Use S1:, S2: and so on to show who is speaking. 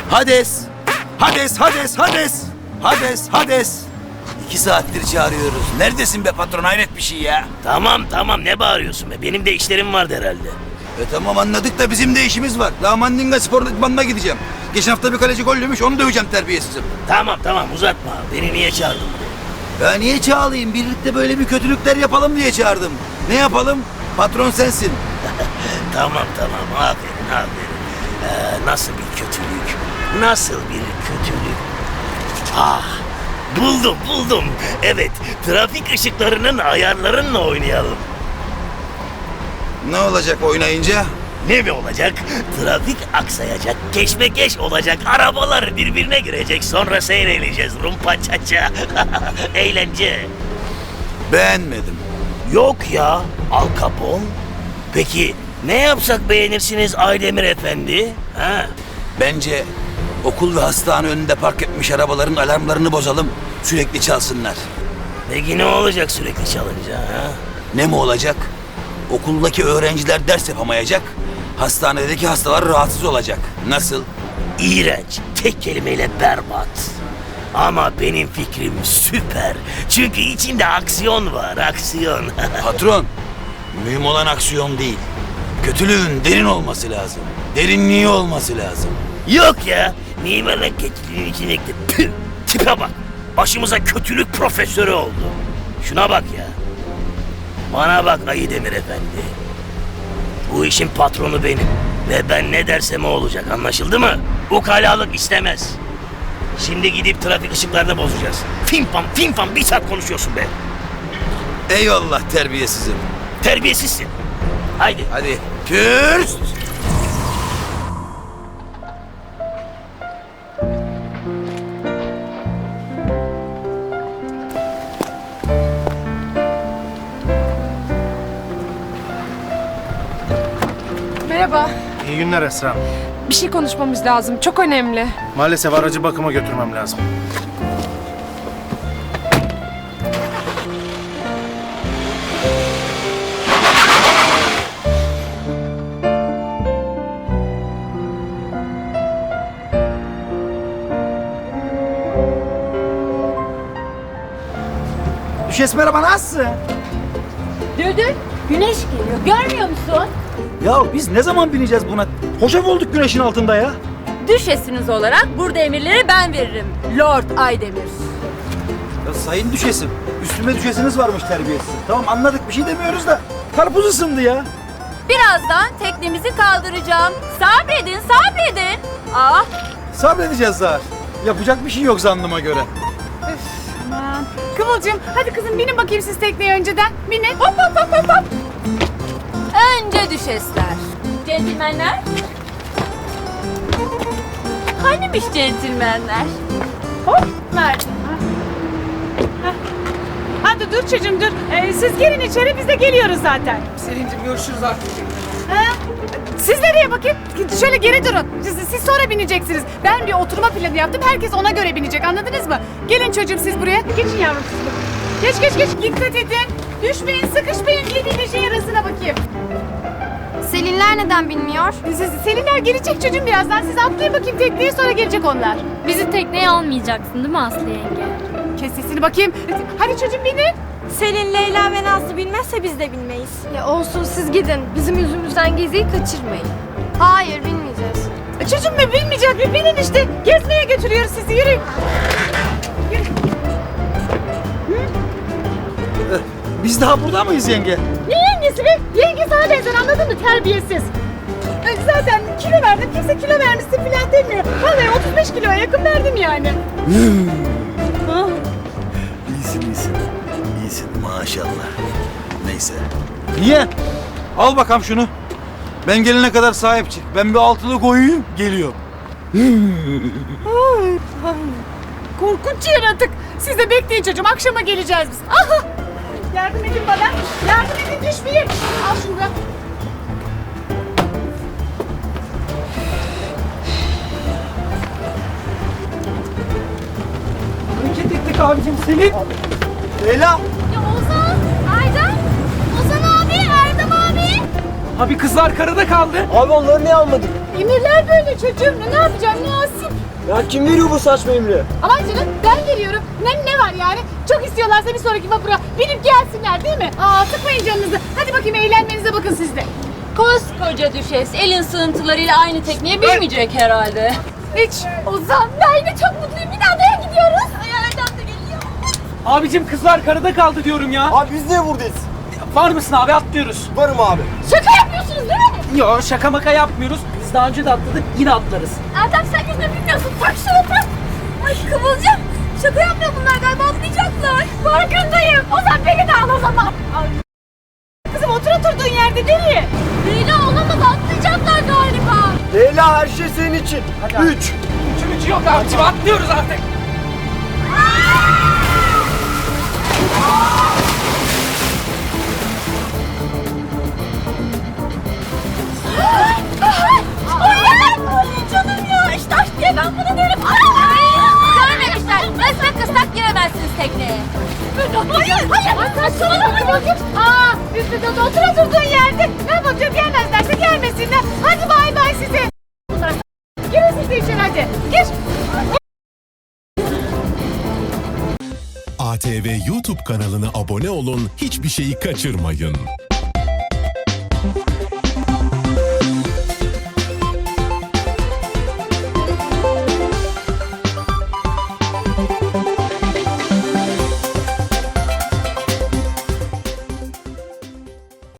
S1: Hades! Hades, Hades, Hades! Hades, Hades! 2 saattir çağırıyoruz. Neredesin be patron? Hayret bir şey ya.
S2: Tamam ne bağırıyorsun be? Benim de işlerim vardı herhalde.
S1: Tamam anladık da bizim de işimiz var. Daha Mandinga Spor İdmanı'na gideceğim. Geçen hafta bir kaleci gollümüş, onu döveceğim terbiyesizim.
S2: Tamam uzatma. Beni niye çağırdın buraya?
S1: Ya niye çağırayım? Birlikte böyle bir kötülükler yapalım diye çağırdım. Ne yapalım? Patron sensin.
S2: Tamam aferin. Nasıl bir kötülük? Nasıl bir kötülük? Ah, buldum. Evet, trafik ışıklarının ayarlarınla oynayalım.
S1: Ne olacak oynayınca?
S2: Ne mi olacak? Trafik aksayacak, keşmekeş olacak, arabalar birbirine girecek, sonra seyredeceğiz rumpa çaça. Eğlence.
S1: Beğenmedim.
S2: Yok ya, Al Capone. Peki ne yapsak beğenirsiniz Aydemir Efendi? Ha?
S1: Bence okul ve hastane önünde park etmiş arabaların alarmlarını bozalım. Sürekli çalsınlar.
S2: Peki ne olacak sürekli çalınca? Ha?
S1: Ne mi olacak? Okuldaki öğrenciler ders yapamayacak. Hastanedeki hastalar rahatsız olacak. Nasıl?
S2: İğrenç, tek kelimeyle berbat. Ama benim fikrim süper. Çünkü içinde aksiyon var, aksiyon.
S1: Patron, mühim olan aksiyon değil. Kötülüğün derin olması lazım. Derinliği olması lazım.
S2: Yok ya, mimarlık geçtiğinin içindeki püh, tipe bak. Başımıza kötülük profesörü oldu. Şuna bak ya. Bana bak Aydemir Efendi. Bu işin patronu benim. Ve ben ne dersem o olacak, anlaşıldı mı? Ukalalık istemez. Şimdi gidip trafik ışıklarını bozacağız. Fim fam 1 saat konuşuyorsun be.
S1: Eyvallah terbiyesizim.
S2: Terbiyesizsin. Haydi.
S1: Hadi. Pürst!
S3: Merhaba.
S4: İyi günler Esra.
S3: Bir şey konuşmamız lazım. Çok önemli.
S4: Maalesef aracı bakıma götürmem lazım.
S5: Düşes merhaba, nasılsın?
S6: Düldül, güneş geliyor. Görmüyor musun?
S5: Ya biz ne zaman bineceğiz buna? Hoşaf olduk güneşin altında ya.
S6: Düşesiniz olarak burada emirleri ben veririm. Lord Aydemir.
S5: Ya sayın düşesim, üstüme düşesiniz varmış terbiyesiz. Tamam anladık, bir şey demiyoruz da karpuz ısındı ya.
S6: Birazdan teknemizi kaldıracağım. Sabredin. Ah,
S5: Sabredeceğiz Zahar. Yapacak bir şey yok zannıma göre.
S3: Aman. Kıvılcım, hadi kızım binin bakayım siz tekneye önceden. Binin. Hop.
S6: önce düşesler. Centilmenler. Hanimiş centilmenler?
S3: Hop, verdim. Hadi dur çocuğum dur. Siz gelin içeri, biz de geliyoruz zaten.
S7: Selin'cim görüşürüz artık.
S3: Siz nereye bakayım? Şöyle geri durun. Siz sonra bineceksiniz. Ben bir oturma planı yaptım. Herkes ona göre binecek. Anladınız mı? Gelin çocuğum siz buraya. Geçin yavrum siz. Geç. Dikkat edin. Düşmeyin, sıkışmayın. Yediğiyle şey arasına bakayım.
S8: Selinler neden bilmiyor?
S3: Selinler gelecek çocuğum birazdan. Siz atlayın bakayım tekneye, sonra gelecek onlar.
S8: Bizi tekneye almayacaksın değil mi Aslı yenge?
S3: Kes sesini bakayım. Hadi çocuğum binin.
S6: Selin, Leyla ve Nazlı bilmezse biz de bilmeyiz.
S8: Ya olsun siz gidin. Bizim yüzümüzden geziyi kaçırmayın. Hayır bilmeyeceğiz.
S3: Çocuğum mu bilmeyecek mi? Binin işte. Gezmeye götürüyoruz sizi. Yürüyün.
S5: Biz daha burada mıyız yenge?
S3: Ne yengesi be? Yenge sana benzer, anladın mı? Terbiyesiz. Zaten kilo verdim. Kimse kilo vermişsin filan demiyor. Vallahi 35 kiloya yakın verdim yani.
S1: İyisin maşallah. Neyse.
S5: Niye? Al bakalım şunu. Ben gelene kadar sahip çık. Ben bir altılı koyayım, geliyorum.
S3: Korkunç yaratık. Siz de bekleyin çocuğum. Akşama geleceğiz biz. Aha! Yardım edin bana. Yardım edin, düşmeyin. Al şunu da.
S5: Hareket ettik abicim Selin. Leyla.
S8: Ya Ozan, Aydan, Ozan abi, Erdem abi.
S7: Abi kızlar karada kaldı.
S5: Abi onları niye almadık?
S3: Emirler böyle çocuğum. Ne yapacağım? Nasip.
S5: Ya kim veriyor bu saçma emri?
S3: Aman canım ben veriyorum. Ne var yani? Çok istiyorlarsa bir sonraki vapura binip gelsinler değil mi? Sıkmayın canınızı. Hadi bakayım eğlenmenize bakın siz de.
S6: Koskoca düşes elin sığıntılarıyla aynı tekneye binmeyecek herhalde.
S3: Hiç. Ozan ben yine çok mutluyum. Bir daha adaya gidiyoruz. Erdem de geliyor.
S7: Abicim kızlar karada kaldı diyorum ya.
S5: Abi biz niye buradayız?
S7: Var mısın abi atlıyoruz.
S5: Varım abi.
S3: Şaka yapıyorsunuz değil mi?
S7: Yo şaka maka yapmıyoruz. Biz daha önce de atladık yine atlarız.
S8: Erdem sen yüzme bilmiyorsun. Tak şunu tak. Ay Kıvılcım. Şaka yapmıyor bunlar galiba atlayacaklar.
S3: Farkındayım. Ozan beni de al o zaman. Ay. Kızım otur oturduğun yerde nereye?
S8: Leyla olamaz atlayacaklar galiba.
S5: Leyla her şey senin için.
S7: Hadi abi.
S5: 3.
S7: Üçümüz yok abicim atlıyoruz artık.
S8: Ay canım ya işte aşk diye ben bunu derim. Görmemişler. Resmen kıstak giremezsiniz tekneye.
S3: Hayır saçmalama Kıvılcım. Üstüne otur oturduğun yerde. Ne bakıyorum gelmezlerse gelmesinler. Hadi bay bay size. Bunlar girin siz de içeri hadi. Gir.
S9: ATV YouTube kanalına abone olun, hiçbir şeyi kaçırmayın.